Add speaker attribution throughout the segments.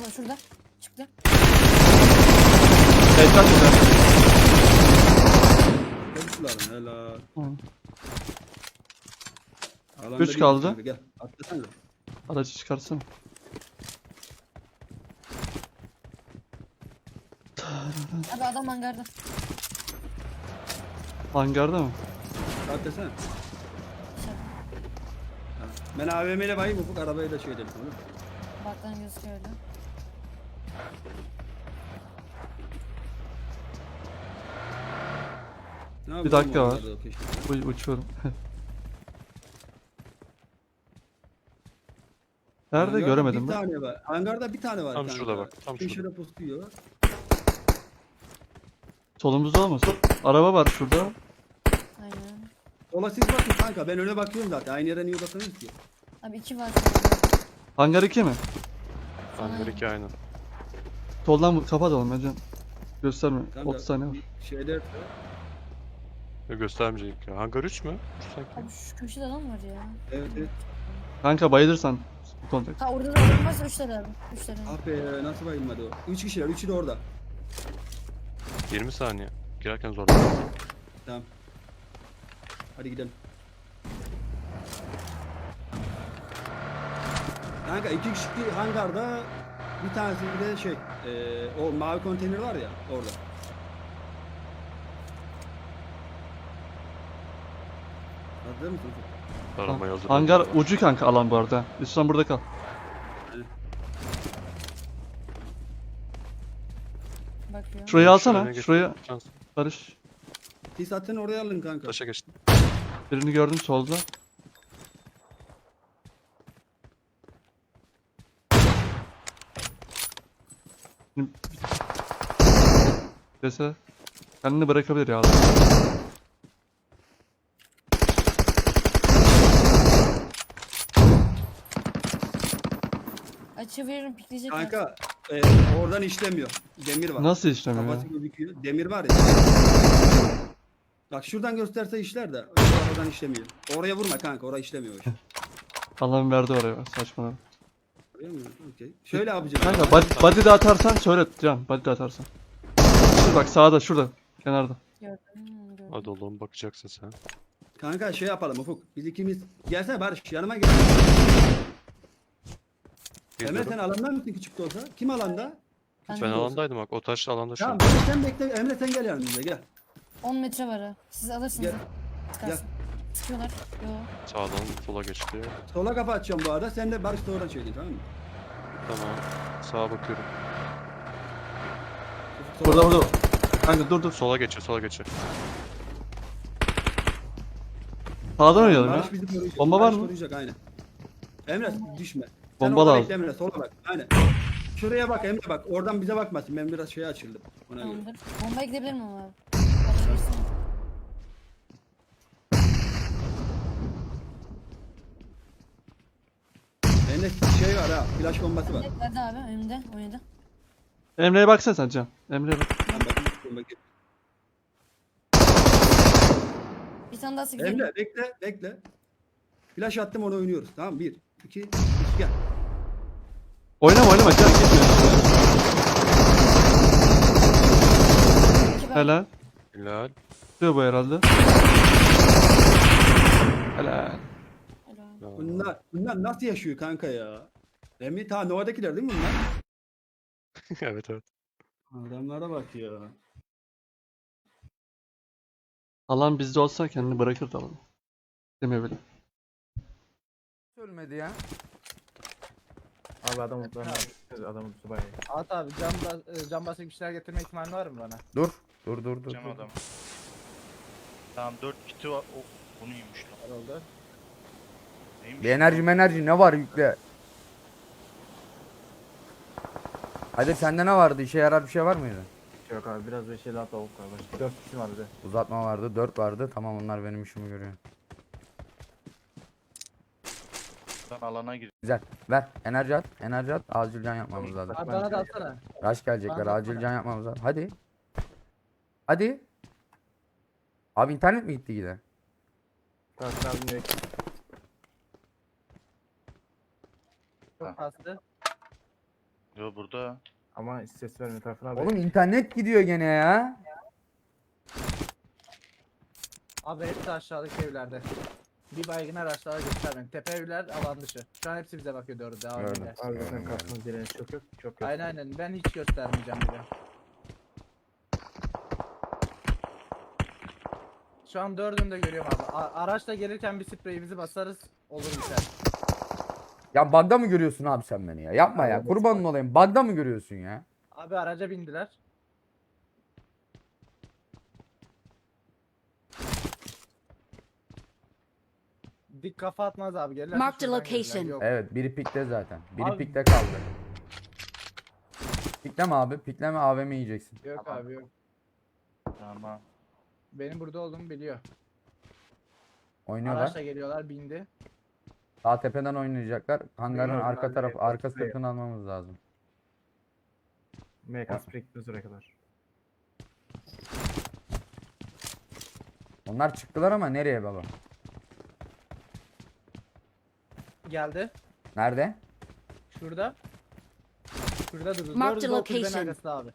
Speaker 1: şurada. Çıktı.
Speaker 2: Headshot güzel.
Speaker 3: Çocuklarım helal.
Speaker 2: Hı.
Speaker 3: Alanda
Speaker 2: 3
Speaker 3: bir
Speaker 2: kaldı.
Speaker 3: kanka, gel. Atlasana.
Speaker 2: Aracı çıkarsana.
Speaker 1: Abi adam hangarda.
Speaker 2: Hangarda mı?
Speaker 3: Atlasana.
Speaker 1: Şey,
Speaker 3: Ha. Ben AVM ile bayım ufuk arabayı da şey edelim. Olur mu?
Speaker 1: baktan gözüküyor öyle.
Speaker 3: Ne yapalım
Speaker 2: Bir dakika
Speaker 3: orada
Speaker 2: var.
Speaker 3: da o keşke.
Speaker 2: Uçuyorum. Nerede
Speaker 3: Hangarda
Speaker 2: göremedim
Speaker 3: bir
Speaker 2: ben.
Speaker 3: tane var. Hangarda bir tane var
Speaker 4: Tam
Speaker 3: kanka.
Speaker 4: şurada bak, tam şurada.
Speaker 3: Köşede pusuyor.
Speaker 2: Solumuzda olmasın. Araba var şurada.
Speaker 1: Aynen.
Speaker 3: Sola siz bakın kanka. Ben öne bakıyorum zaten. Aynı yere niye bakamıyoruz ki?
Speaker 1: Abi 2 var.
Speaker 2: Hangar 2 mi?
Speaker 4: Hangar 2 aynen.
Speaker 2: Soldan kapatalım ya can. Gösterme.
Speaker 3: Kanka,
Speaker 2: 30 saniye var.
Speaker 3: Şeyler
Speaker 4: Ya göstermeyecek ya. Hangar 3 mü? 3 sanki.
Speaker 1: Abi şu köşede adam var ya.
Speaker 3: evet evet.
Speaker 2: Kanka bayılırsan kontak.
Speaker 1: Ha orada da adam varsa 3 tane abi. 3 tane.
Speaker 3: Ah be nasıl bayılmadı o? 3 kişiler. 3'ü de orada.
Speaker 4: 20 saniye. Girerken zorlandım.
Speaker 3: Tamam. Hadi gidelim. Kanka 2 kişi hangarda bir tanesi bir de şey o mavi konteyner var ya orada. Hazır mısın?
Speaker 4: Aramaya hazır.
Speaker 2: Hangar
Speaker 4: oldular.
Speaker 2: ucu kanka alan bu arada. Lütfen burada kal.
Speaker 1: Bakıyor.
Speaker 2: Şurayı
Speaker 4: Şu
Speaker 2: alsana.
Speaker 4: öne geç.
Speaker 2: Şuraya
Speaker 4: Şans.
Speaker 2: Barış.
Speaker 3: Siz zaten oraya alın kanka.
Speaker 4: Taşa geçtim.
Speaker 2: Birini gördüm solda. Dese kendini bırakabilir ya adam.
Speaker 1: Açı veririm pikleyecek.
Speaker 3: Kanka oradan işlemiyor. Demir var.
Speaker 2: Nasıl işlemiyor ya?
Speaker 3: Kafası gözüküyor. Demir var ya. Bak şuradan gösterse işler de oradan işlemiyor. Oraya vurma kanka, oraya işlemiyor o iş.
Speaker 2: Allah'ım verdi oraya saçmalama.
Speaker 3: Oraya mı? Okey. Şöyle yapacağım.
Speaker 2: Kanka body de atarsan söyle can. Body de atarsan. Dur bak sağda şurada. Kenarda.
Speaker 1: Gördüm. Gördüm.
Speaker 4: Hadi oğlum bakacaksın sen.
Speaker 3: Kanka şey yapalım Ufuk. Biz ikimiz. Gelsene Barış yanıma gel. Emre
Speaker 4: Geliyorum.
Speaker 3: sen alandan mısın küçük de olsa? Kim alanda?
Speaker 1: Ben
Speaker 4: Ben
Speaker 1: de-
Speaker 4: alandaydım bak. O taş alanda şu
Speaker 3: Tamam
Speaker 4: an.
Speaker 3: Barış sen bekle. Emre sen gel yanımıza gel.
Speaker 1: 10 metre var ha. Siz alırsınız
Speaker 3: Gel.
Speaker 1: ha. Sıkarsın. Sıkıyorlar. Yo.
Speaker 4: Sağdan sola geçti.
Speaker 3: Sola kapı açacağım bu arada. Sen de Barış da oradan çekin tamam mı?
Speaker 4: Tamam. Sağa bakıyorum.
Speaker 3: Ufuk, sola-
Speaker 2: Burada. Kanka dur.
Speaker 4: Sola geçiyor, sola geçiyor.
Speaker 2: Sağdan oynayalım ya.
Speaker 3: Barış bizi koruyacak.
Speaker 2: Bomba var
Speaker 3: Barış
Speaker 2: mı?
Speaker 3: koruyacak aynen. Emre düşme.
Speaker 2: Bomba
Speaker 3: orada
Speaker 2: lazım.
Speaker 3: bekle Emre sola bak. Aynen. Şuraya bak Emre bak. Oradan bize bakmasın. Ben biraz şeye açıldım. Ona göre.
Speaker 1: Tamamdır. Bombaya gidebilir miyim abi? Bakabilirsin.
Speaker 3: Bende şey var ha. Flash bombası var.
Speaker 1: Nerede abi? Önümde. Oynadı.
Speaker 2: Emre'ye baksana sen can. Emre'ye bak.
Speaker 3: Ben bakayım, bakayım.
Speaker 1: Bir tane daha sıkıyorum.
Speaker 3: Emre bekle bekle. Flash attım onu oynuyoruz. Tamam 1 2 3 gel.
Speaker 2: Oynama can gitme.
Speaker 1: İki ben.
Speaker 2: Helal.
Speaker 4: Hilal.
Speaker 2: Diyor bu herhalde. Helal.
Speaker 1: Helal.
Speaker 3: Bunlar nasıl yaşıyor kanka ya? Emre ta Nova'dakiler değil mi bunlar?
Speaker 4: Evet evet.
Speaker 3: Adamlara bak ya.
Speaker 2: Alan bizde olsa kendini bırakırdı alanı. Demiyor bile.
Speaker 5: Ölmedi ya.
Speaker 6: Abi adam adamın subayı.
Speaker 7: At abi cam basık bir şeyler getirme ihtimali var mı bana?
Speaker 5: Dur. Dur.
Speaker 8: Cem adam. Tamam 4 kiti var. Oh, bu neymiş lan?
Speaker 7: Herhalde.
Speaker 8: Neymiş
Speaker 5: Bir
Speaker 8: lan?
Speaker 5: enerji ne var yükle. Hadi sende ne vardı? İşe yarar bir şey var mıydı?
Speaker 6: Yok abi biraz bir şey daha tavuk var. Başka 4 kişi var bir de.
Speaker 5: Uzatma vardı, 4 vardı. Tamam onlar benim işimi görüyor.
Speaker 8: Ben alana gir.
Speaker 5: Güzel. Ver. Enerji at. Enerji at. Acil can yapmamız lazım.
Speaker 7: Abi bana da atsana.
Speaker 5: Rush gelecekler.
Speaker 7: Bana
Speaker 5: Acil
Speaker 7: atsana.
Speaker 5: can yapmamız lazım. Hadi. Hadi. Abi internet mi gitti yine?
Speaker 6: Kalsın abi ne?
Speaker 7: Çok kastı.
Speaker 8: Yo burada.
Speaker 6: Ama hiç ses verme tarafına abi.
Speaker 5: Oğlum internet gidiyor gene ya.
Speaker 7: Abi hepsi aşağıdaki evlerde. Bir baygınlar aşağıda göstermeyin. Tepe evler alan dışı. Şu an hepsi bize bakıyor doğru devam
Speaker 5: Gördüm.
Speaker 7: ediyor.
Speaker 6: Abi zaten karşımız direniş çok yok. Çok yok.
Speaker 7: Aynen ben hiç göstermeyeceğim bile. Şu an dördünü de görüyorum abi. Araçla gelirken bir spreyimizi basarız olur biter.
Speaker 5: Ya bug'da mı görüyorsun abi sen beni ya? Yapma ya. Kurbanın olayım. Bug'da mı görüyorsun ya?
Speaker 7: Abi araca bindiler. Dik kafa atmaz abi gelirler.
Speaker 1: Mark the
Speaker 7: şuradan gelirler.
Speaker 1: location.
Speaker 7: Yok.
Speaker 5: Evet biri pikte zaten. Biri
Speaker 7: Abi-
Speaker 5: pikte kaldı. Pikleme abi. Pikleme AVM yiyeceksin.
Speaker 7: Yok abi yok.
Speaker 8: Tamam.
Speaker 7: Benim burada olduğumu biliyor.
Speaker 5: Oynuyorlar.
Speaker 7: Araçla geliyorlar bindi.
Speaker 5: Sağ tepeden oynayacaklar. Hangarın
Speaker 6: Bilmiyorum
Speaker 5: arka
Speaker 6: abi,
Speaker 5: tarafı, arka
Speaker 6: buraya.
Speaker 5: sırtını almamız lazım.
Speaker 6: MK spray gitmez oraya kadar.
Speaker 5: Onlar çıktılar ama nereye baba?
Speaker 7: Geldi.
Speaker 5: Nerede?
Speaker 7: Şurada. Şurada durdu.
Speaker 1: Mark
Speaker 7: Dördü
Speaker 1: the
Speaker 7: de o kulübenin
Speaker 1: location.
Speaker 7: arkasında abi.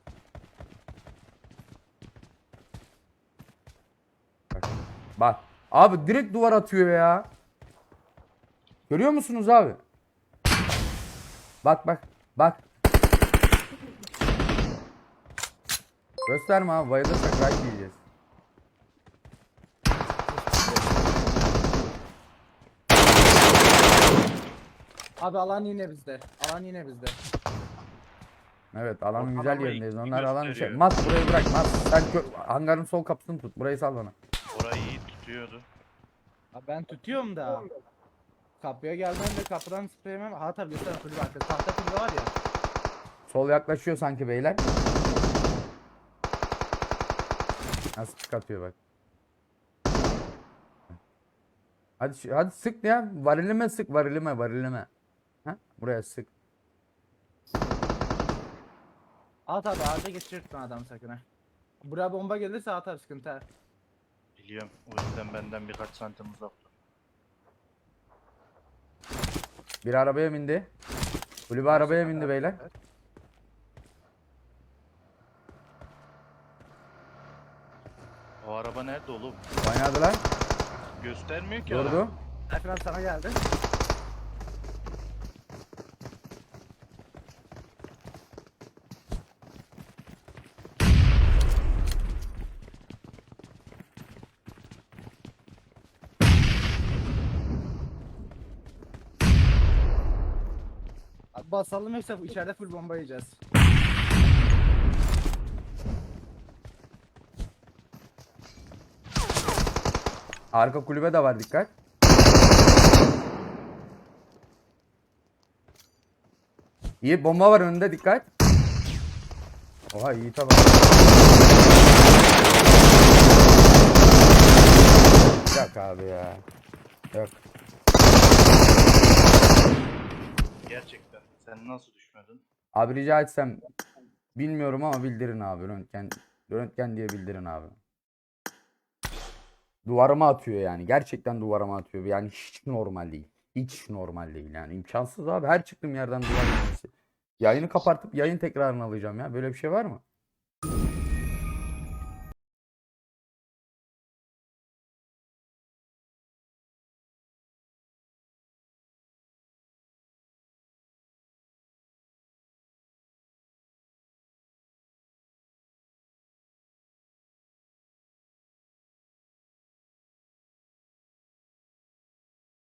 Speaker 5: Bak. Bak. Abi direkt duvar atıyor ya. Görüyor musunuz abi? Bak bak. Bak. Gösterme abi. Bayılırsak right diyeceğiz.
Speaker 7: Abi alan yine bizde. Alan yine bizde.
Speaker 5: Evet alanın
Speaker 8: Bak,
Speaker 5: güzel
Speaker 8: adamı
Speaker 5: yerindeyiz.
Speaker 8: iyi
Speaker 5: Onlar alan şey.
Speaker 8: gösteriyor.
Speaker 5: Mat burayı bırak. Mat sen hangarın sol kapısını tut. Burayı sal bana.
Speaker 8: Orayı iyi tutuyordu.
Speaker 7: Abi ben tutuyorum da. Kapıya gelmem de kapıdan spreyemem. Ha tabii göster kulübe arkası. Tahta kulübe var ya.
Speaker 5: Sol yaklaşıyor sanki beyler. Nasıl pik atıyor bak. Hadi hadi sık ya. Varilime sık. Varilime. Ha? Buraya sık.
Speaker 7: At abi ağaca geçirtme adam sakın ha. Buraya bomba gelirse atar sıkıntı ha.
Speaker 8: Biliyorum. O yüzden benden birkaç santim uzak dur.
Speaker 5: Bir arabaya bindi. Kulübe arabaya bindi beyler.
Speaker 8: O araba nerede oğlum?
Speaker 5: Oynadılar.
Speaker 8: Göstermiyor ki
Speaker 5: Durdu.
Speaker 8: araba.
Speaker 7: Tayfun abi sana geldi. Abi basalım yoksa içeride full bomba yiyeceğiz.
Speaker 5: Arka kulübe de var dikkat. İyi bomba var önünde dikkat. Oha iyi tamam. Yok abi ya. Yok.
Speaker 8: Gerçekten. Sen nasıl düşmedin?
Speaker 5: Abi rica etsem bilmiyorum ama bildirin abi. Röntgen diye bildirin abi. Duvarıma atıyor yani. Gerçekten duvarıma atıyor. Yani hiç normal değil. Hiç normal değil yani. İmkansız abi. Her çıktığım yerden duvar yemesi. Yayını kapatıp yayın tekrarını alacağım ya. Böyle bir şey var mı?